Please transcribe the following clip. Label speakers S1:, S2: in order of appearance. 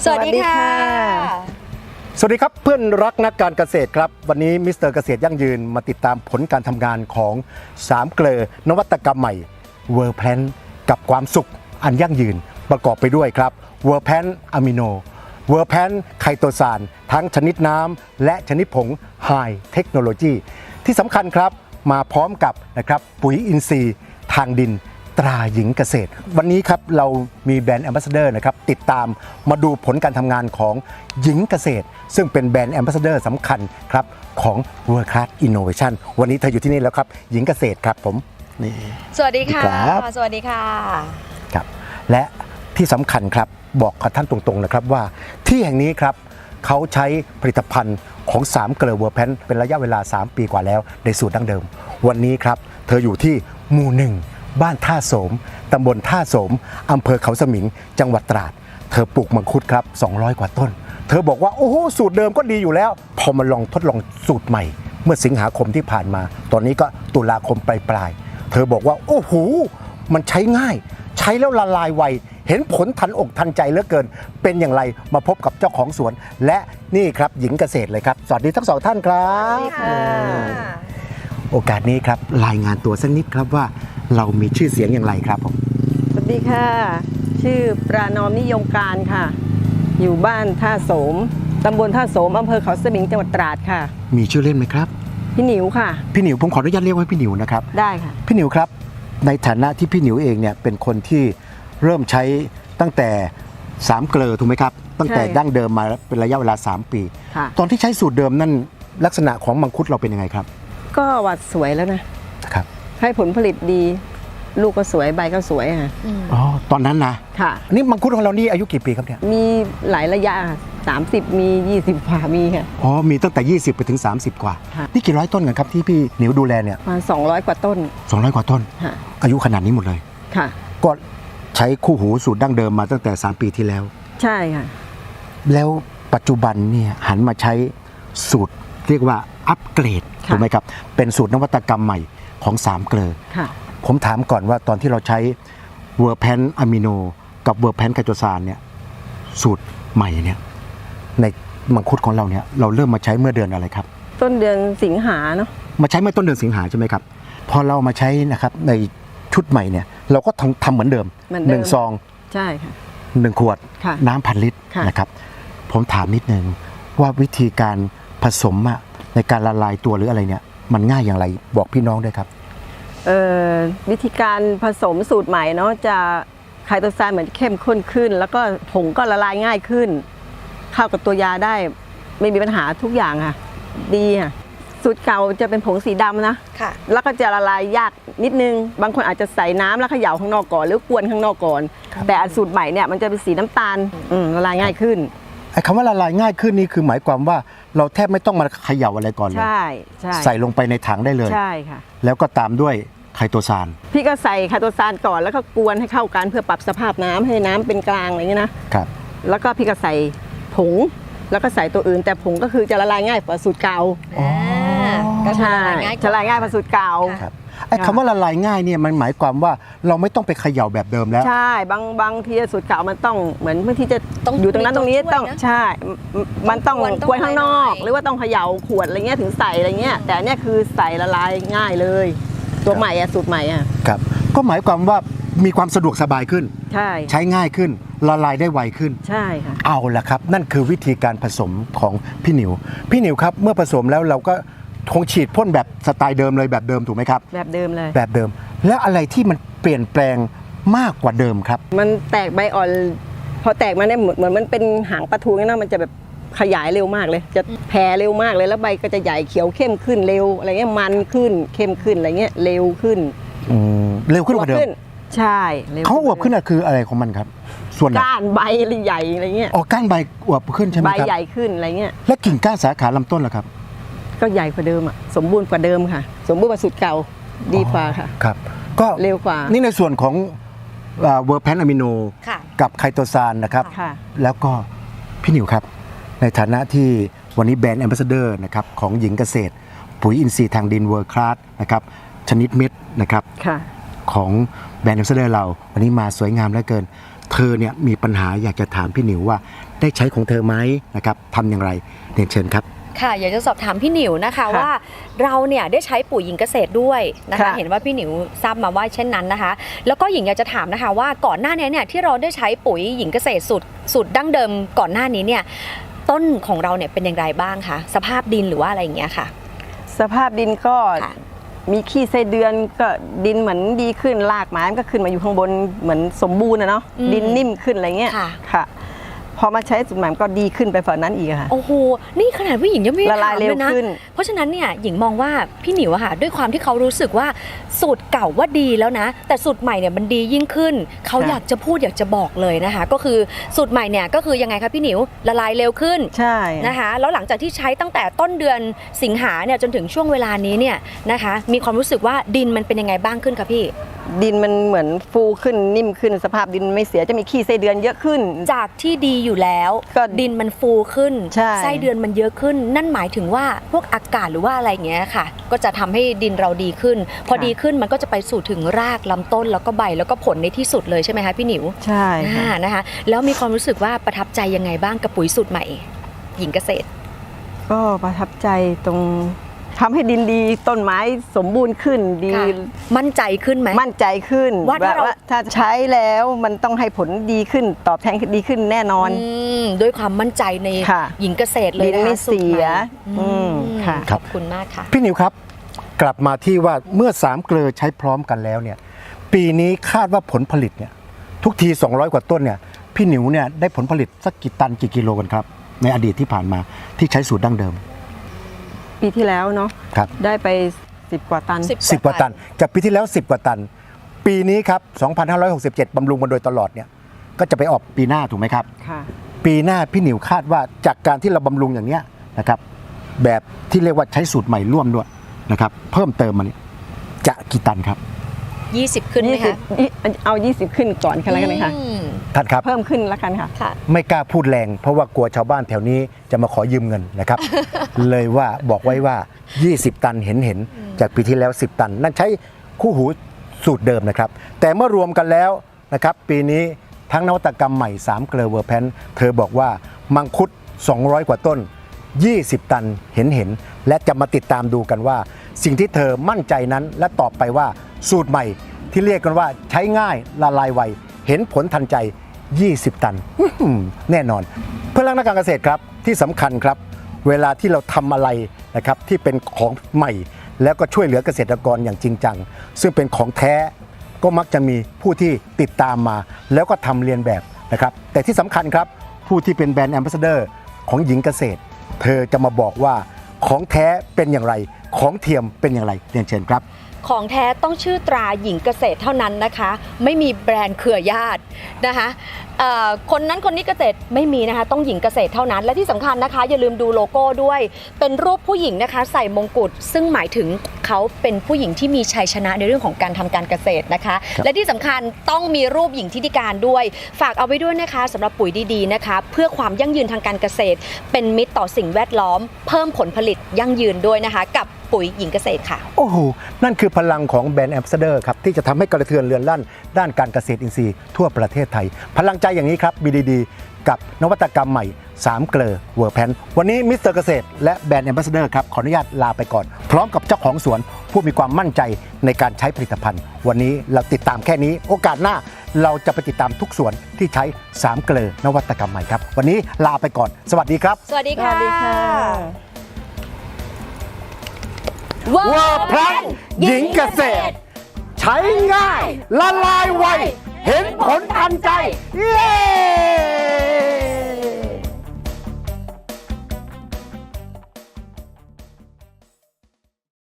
S1: สวัสดีค่ะ
S2: สวัสดีครับเพื่อนรักนักการเกษตรครับวันนี้มิสเตอร์เกษตรยั่งยืนมาติดตามผลการทำงานของ3เกลอนวัตกรรมใหม่เวอร์แพนกับความสุขอันยั่งยืนประกอบไปด้วยครับเวอร์แพนอะมิโนเวอร์แพนไคโตซานทั้งชนิดน้ำและชนิดผงไฮเทคโนโลยีที่สำคัญครับมาพร้อมกับนะครับปุ๋ยอินทรีย์ทางดินตราหญิงเกษตรวันนี้ครับเรามีแบรนด์แอมบาสเดอร์นะครับติดตามมาดูผลการทำงานของหญิงเกษตรซึ่งเป็นแบรนด์แอมบาสเดอร์สำคัญครับของ World Class Innovation วันนี้เธออยู่ที่นี่แล้วครับหญิงเกษตรครับผมนี่
S1: สวัสดีค่ะ
S2: ครับ
S1: สวัสดีค่ะ
S2: ครับและที่สำคัญครับบอกกับท่านตรงๆนะครับว่าที่แห่งนี้ครับเขาใช้ผลิตภัณฑ์ของ3เกลอเวอร์แพนเป็นระยะเวลา3 ปีกว่าแล้วในสูตรดั้งเดิมวันนี้ครับเธออยู่ที่หมู่ 1บ้านท่าโสมตำบลท่าโสมอำเภอเขาสมิงจังหวัดตราดเธอปลูกมังคุดครับ200 กว่าต้นเธอบอกว่าโอ้โหสูตรเดิมก็ดีอยู่แล้วพอมาลองทดลองสูตรใหม่เมื่อสิงหาคมที่ผ่านมาตอนนี้ก็ตุลาคมปลายๆเธอบอกว่าโอ้โหมันใช้ง่ายใช้แล้วละลายไวเห็นผลทันอกทันใจเหลือเกินเป็นอย่างไรมาพบกับเจ้าของสวนและนี่ครับหญิงเกษตรเลยครับสวัสดีทั้งสองท่านครับโอกาสนี้ครับรายงานตัวสักนิดครับว่าเรามีชื่อเสียงอย่างไรครับผม
S3: สวัสดีค่ะ ชื่อปรานอมนิยมการค่ะ อยู่บ้านท่าโสมตำบลท่าโสมอำเภอเขาสมิงจังหวัดตราดค่ะ
S2: มีชื่อเล่นไหมครับ
S3: พี่หนิวค่ะ
S2: พี่หนิวผมขออนุญาตเรียกว่าพี่หนิวนะครับ
S3: ได้ค่ะ
S2: พี่หนิวครับในฐานะที่พี่หนิวเองเนี่ยเป็นคนที่เริ่มใช้ตั้งแต่3เกลอถูกไหมครับตั้งแต่
S3: ใช่
S2: ดั้งเดิมมาเป็นระยะเวลา3 ปี
S3: ค่ะ
S2: ตอนที่ใช้สูตรเดิมนั่นลักษณะของมังคุดเราเป็นยังไงครับ
S3: ก็หวัดสวยแล้วนะ
S2: ครับ
S3: ให้ผลผลิตดี ลูกก็สวยใบก็สวยค่ะ
S2: อ๋อตอนนั้นนะ
S3: ค่ะ
S2: นี่มังคุดของเรานี่อายุกี่ปีครับเนี่ย
S3: มีหลายระยะค่ะ30 มี20กว่ามีค่ะ
S2: อ๋อมีตั้งแต่20ไปถึง30 กว่า
S3: ค่ะ
S2: นี่กี่ร้อยต้นกันครับที่พี่หนิวดูแลเนี่ย
S3: ประมาณ200 กว่าต้น
S2: 200 กว่าต้น
S3: ค่ะ
S2: อายุขนาดนี้หมดเลย
S3: ค่ะ
S2: ก็ใช้คู่หูสูตรดั้งเดิมมาตั้งแต่3 ปีที่แล้ว
S3: ใช่ค่ะ
S2: แล้วปัจจุบันเนี่ยหันมาใช้สูตรเรียกว่าอัปเกรด
S3: ค่ะ
S2: ถูกไหมครับเป็นสูตรนวัตกรรมใหม่ของ3เกลอ
S3: ค่ะ
S2: ผมถามก่อนว่าตอนที่เราใช้เวอร์แพนอะมิโนกับเวอร์แพนไคโตซานเนี่ยสูตรใหม่เนี่ยในมังคุดของเราเนี่ยเราเริ่มมาใช้เมื่อเดือนอะไรครับ
S3: ต้นเดือนสิงหาเนาะ
S2: มาใช้เมื่อต้นเดือนสิงหาใช่ไหมครับพอเรามาใช้นะครับในชุดใหม่เนี่ยเราก็ทำเหมือนเดิม
S3: เหมือนเดิม
S2: 1 ซอง
S3: ใช่ค่ะ
S2: 1 ขวด
S3: ค่ะ
S2: น้ำ1,000 ลิตร
S3: ค่ะ
S2: นะครับผมถามนิดนึงว่าวิธีการผสมอะในการละลายตัวหรืออะไรเนี่ยมันง่ายอย่างไรบอกพี่น้องด้วยครับ
S3: วิธีการผสมสูตรใหม่เนาะจะไคโตซานเหมือนเข้มข้นขึ้น แล้วก็ผงก็ละลายง่ายขึ้น เข้ากับตัวยาได้ไม่มีปัญหาทุกอย่างค่ะ ดีค่ะสูตรเก่าจะเป็นผงสีดำนะ
S1: ค่ะ
S3: แล้วก็จะละลายยากนิดนึง บางคนอาจจะใส่น้ำแล้วเขย่าข้างนอกก่อนหรือกวนข้างนอกก่อน แต่อันสูตรใหม่เนี่ยมันจะเป็นสีน้ำตาลละลายง่ายขึ้น
S2: ไอ้คำว่าละลายง่ายขึ้นนี่คือหมายความว่าเราแทบไม่ต้องมาเขย่าอะไรก่อนเลย
S3: ใช่ใช่
S2: ใส่ลงไปในถังได้เลย
S3: ใช่ค่ะ
S2: แล้วก็ตามด้วยไคโตซาน
S3: พี่ก็ใส่ไคโตซานก่อนแล้วก็กวนให้เข้ากันเพื่อปรับสภาพน้ำให้น้ำเป็นกลางอะไรอย่างนี้นะ
S2: ครับ
S3: แล้วก็พี่ก็ใส่ผงแล้วก็ใส่ตัวอื่น แต่ผงก็คือจะละลายง่ายกว่าสูตรเก่า
S1: ก็จะ
S3: ใช่
S1: ละลายง่ายกว่า
S3: จะละลายง่ายกว่าสูตรเก่า
S2: ครับไอ้คำว่าละลายง่ายเนี่ยมันหมายความว่าเราไม่ต้องไปเขย่าแบบเดิมแล้ว
S3: ใช่บางทีสูตรเก่ามันต้องเหมือนบางทีจะ
S1: ต้อง
S3: อยู่ตรงนั้น
S1: มี
S3: ตรงนี้
S1: ตัวช่วย
S3: ต้อง
S1: นะ
S3: ใช่มันต้อง
S1: ต้อง
S3: กวนข้างนอก
S1: หน่อย
S3: หรือว่าต้องเขย่าขวดอะไรเงี้ยถึงใส่อะไรเงี้ยแต่อันเนี้ยคือใส่ละลายง่ายเลย ตัวใหม่อะสูตรใหม่อะ
S2: ครับก็หมายความว่ามีความสะดวกสบายขึ้น
S3: ใช่
S2: ใช้ง่ายขึ้นละลายได้ไวขึ้น
S3: ใช่ค่ะ
S2: เอาละครับ นั่นคือวิธีการผสมของพี่หนิวครับเมื่อผสมแล้วเราก็คงฉีดพ่นแบบสไตล์เดิมเลยแบบเดิมถูกไหมครับ
S3: แบบเดิมเลย
S2: แบบเดิม แล้วอะไรที่มันเปลี่ยนแปลงมากกว่าเดิมครับ
S3: มันแตกใบอ่อนพอแตกมาเนี่ยเหมือนมันเป็นหางปลาทูงั้นนะมันจะแบบขยายเร็วมากเลย จะแผ่เร็วมากเลยแล้วใบก็จะใหญ่เขียวเข้มขึ้นเร็วอะไรเงี้ยมันขึ้นเข้มขึ้นอะไรเงี้ยเร็วขึ้น
S2: เร็วขึ้นกว่าเดิม
S3: ใช่ร็ว
S2: เขาอวบขึ้นอะคืออะไรของมันครับ ส่วนไหน
S3: ก้านใบใหญ่อะไรเงี้ย
S2: อ๋อก้านใบอวบขึ้นใช่ไหม
S3: ใบ
S2: ครับ
S3: ใหญ่ขึ้นอะไรเงี้ย
S2: และกิ่งก้านสาขาลำต้นล่ะครับ
S3: ก็ใหญ่กว่าเดิมอ่ะสมบูรณ์กว่าเดิมค่ะ สมบูรณ์กว่าสูตรเก่าดีกว่าค่ะ
S2: ครับ ก็
S3: เร็วกว่า
S2: นี่ในส่วนของเวอร์แพนอะมิโน
S1: ค่ะ
S2: กับไคโตซานนะครับ
S3: ค่ะ
S2: แล้วก็พี่หนิวครับ ในฐานะที่วันนี้แบรนด์แอมบาสเดอร์นะครับของหญิงเกษตร ปุ๋ยอินทรีย์ทางดินเวิร์คลาสนะครับชนิดเม็ดนะครับ
S3: ค่ะ
S2: ของแบรนด์แอมบาสเดอร์เราวันนี้มาสวยงามเหลือเกินเธอเนี่ยมีปัญหาอยากจะถามพี่หนิวว่าได้ใช้ของเธอไหมนะครับทำอย่างไรเรียนเชิญครับ
S1: ค่ะอยากจะสอบถามพี่หนิวนะคะว่าเราเนี่ยได้ใช้ปุ๋ยหญิงเกษตรด้วยนะคะเห็นว่าพี่หนิวทราบมาว่าเช่นนั้นนะคะแล้วก็หญิงอยากจะถามนะคะว่าก่อนหน้านี้เนี่ยที่เราได้ใช้ปุ๋ยหญิงเกษตรสูตรดั้งเดิมก่อนหน้านี้เนี่ยต้นของเราเนี่ยเป็นอย่างไรบ้างคะสภาพดินหรือว่าอะไรอย่างเงี้ยค่ะ
S3: สภาพดินก็มีขี้ไส้เดือนก็ดินเหมือนดีขึ้นรากไม้มันก็ขึ้นมาอยู่ข้างบนเหมือนสมบูรณ์นะเนาะดินนิ่มขึ้นอะไรเงี้ยค่ะพอมาใช้สูตรใหม่ก็ดีขึ้นไปฝ่านั้นอีกค่ะ
S1: โอ้โหนี่ขนาดผู้หญิงยังไม่
S3: ละลายเร็วขึ้น
S1: เพราะฉะนั้นเนี่ยหญิงมองว่าพี่หนิวอะค่ะด้วยความที่เขารู้สึกว่าสูตรเก่าว่าดีแล้วนะแต่สูตรใหม่เนี่ยมันดียิ่งขึ้นเขาอยากจะพูดอยากจะบอกเลยนะคะก็คือสูตรใหม่เนี่ยก็คือยังไงคะพี่หนิวละลายเร็วขึ้น
S3: ใช่
S1: นะคะแล้วหลังจากที่ใช้ตั้งแต่ต้นเดือนสิงหาเนี่ยจนถึงช่วงเวลานี้เนี่ยนะคะมีความรู้สึกว่าดินมันเป็นยังไงบ้างขึ้นคะพี่
S3: ดินมันเหมือนฟูขึ้นนิ่มขึ้นสภาพดินไม่เสียจะมีขี้ไส้เดือนเยอะขึ้น
S1: จากที่ดีอยู่แล้วดินมันฟูขึ้นไส้เดือนมันเยอะขึ้นนั่นหมายถึงว่าพวกอากาศหรือว่าอะไรอย่างเงี้ยค่ะก็จะทำให้ดินเราดีขึ้นพอดีขึ้นมันก็จะไปสู่ถึงรากลำต้นแล้วก็ใบแล้วก็ผลในที่สุดเลยใช่ไหมคะพี่หนิว
S3: ใช่
S1: นะคะแล้วมีความรู้สึกว่าประทับใจยังไงบ้างกับปุ๋ยสูตรใหม่หญิงเกษตร
S3: ก็ประทับใจตรงทำให้ดินดีต้นไม้สมบูรณ์ขึ้นดี
S1: มั่นใจขึ้นไหม
S3: มั่นใจขึ้นว่าถ้าใช้แล้วมันต้องให้ผลดีขึ้นตอบแทนดีขึ้นแน่นอน
S1: ด้วยความมั่นใจในหญิงเกษตรเลย
S3: นะคะไม่เสีย
S1: ค่ะขอบคุณมากค่ะ
S2: พี่หนิวครับกลับมาที่ว่าเมื่อ3เกลือใช้พร้อมกันแล้วเนี่ยปีนี้คาดว่าผลผลิตเนี่ยทุกที200กว่าต้นเนี่ยพี่หนิวเนี่ยได้ผลผลิตสักกี่ตันกี่กิโลกันครับในอดีตที่ผ่านมาที่ใช้สูตรดั้งเดิม
S3: ปีที่แล้วเนาะได้ไป10กว่าตัน
S2: 10กว่าตันจากปีที่แล้ว10กว่าตันปีนี้ครับ2567บำรุงมาโดยตลอดเนี่ยก็จะไปออกปีหน้าถูกไหมครับ
S3: ค่ะ
S2: ปีหน้าพี่หนิวคาดว่าจากการที่เราบำรุงอย่างเนี้ยนะครับแบบที่เรียกว่าใช้สูตรใหม่ร่วมด้วยนะครับเพิ่มเติมมาเนี่ยจะกี่ตันครับ
S1: 20ขึ้นไหมคะ
S3: เอา20ขึ้นก่อนกันแล้วกันค่ะ
S2: ท่านครับ
S3: เพิ่มขึ้นแล้วกันค่ะ
S2: ไม่กล้าพูดแรงเพราะว่ากลัวชาวบ้านแถวนี้จะมาขอยืมเงินนะครับ เลยว่าบอกไว้ว่า20ตันเห็นจากปีที่แล้ว10ตันนั่นใช้คู่หูสูตรเดิมนะครับแต่เมื่อรวมกันแล้วนะครับปีนี้ทั้งนวัตกรรมใหม่3เกลือเวอร์แพนเธอบอกว่ามังคุด200กว่าต้น20ตันเห็นและจะมาติดตามดูกันว่าสิ่งที่เธอมั่นใจนั้นและตอบไปว่าสูตรใหม่ที่เรียกกันว่าใช้ง่ายละลายไวเห็นผลทันใจ20ตันแน่นอนเพื่อนรักนักการเกษตรครับที่สำคัญครับเวลาที่เราทำอะไรนะครับที่เป็นของใหม่แล้วก็ช่วยเหลือเกษตรกรอย่างจริงจังซึ่งเป็นของแท้ก็มักจะมีผู้ที่ติดตามมาแล้วก็ทำเรียนแบบนะครับแต่ที่สำคัญครับผู้ที่เป็นแบรนด์แอมบาสเดอร์ของหญิงเกษตรเธอจะมาบอกว่าของแท้เป็นอย่างไรของเทียมเป็นอย่างไรเรียนเชิญครับ
S1: ของแท้ต้องชื่อตราหญิงเกษตรเท่านั้นนะคะไม่มีแบรนด์เครือญาตินะคะคนนั้นคนนี้เกษตรไม่มีนะคะต้องหญิงเกษตรเท่านั้นและที่สำคัญนะคะอย่าลืมดูโลโก้ด้วยเป็นรูปผู้หญิงนะคะใส่มงกุฎซึ่งหมายถึงเขาเป็นผู้หญิงที่มีชัยชนะในเรื่องของการทำการเกษตรนะคะและที่สำคัญต้องมีรูปหญิงทิติการด้วยฝากเอาไว้ด้วยนะคะสำหรับปุ๋ยดีๆนะคะเพื่อความยั่งยืนทางการเกษตรเป็นมิตรต่อสิ่งแวดล้อมเพิ่มผลผลิตยั่งยืนด้วยนะคะกับปุ๋ยหญิงเกษตรค่ะ
S2: โอ้โหนั่นคือพลังของแบรนด์แอมบาสเดอร์ครับที่จะทำให้กระเทือนเรือนลั่นด้านการเกษตรอินทรีย์ทั่วประเทศไทยพลังใจอย่างนี้ครับ BDD กับนวัตกรรมใหม่3เกลือเวอร์แพนวันนี้มิสเตอร์เกษตรและแบรนด์แอมบาสเดอร์ครับขออนุญาตลาไปก่อนพร้อมกับเจ้าของสวนผู้มีความมั่นใจในการใช้ผลิตภัณฑ์วันนี้เราติดตามแค่นี้โอกาสหน้าเราจะไปติดตามทุกสวนที่ใช้3เกลือนวัตกรรมใหม่ครับวันนี้ลาไปก่อนสวัสดีครับ
S1: สวัสดีค่ะ
S2: เวอร์แพนหญิงเกษตรใช้ง่ายละลายไวเห็นผลทันใจเย้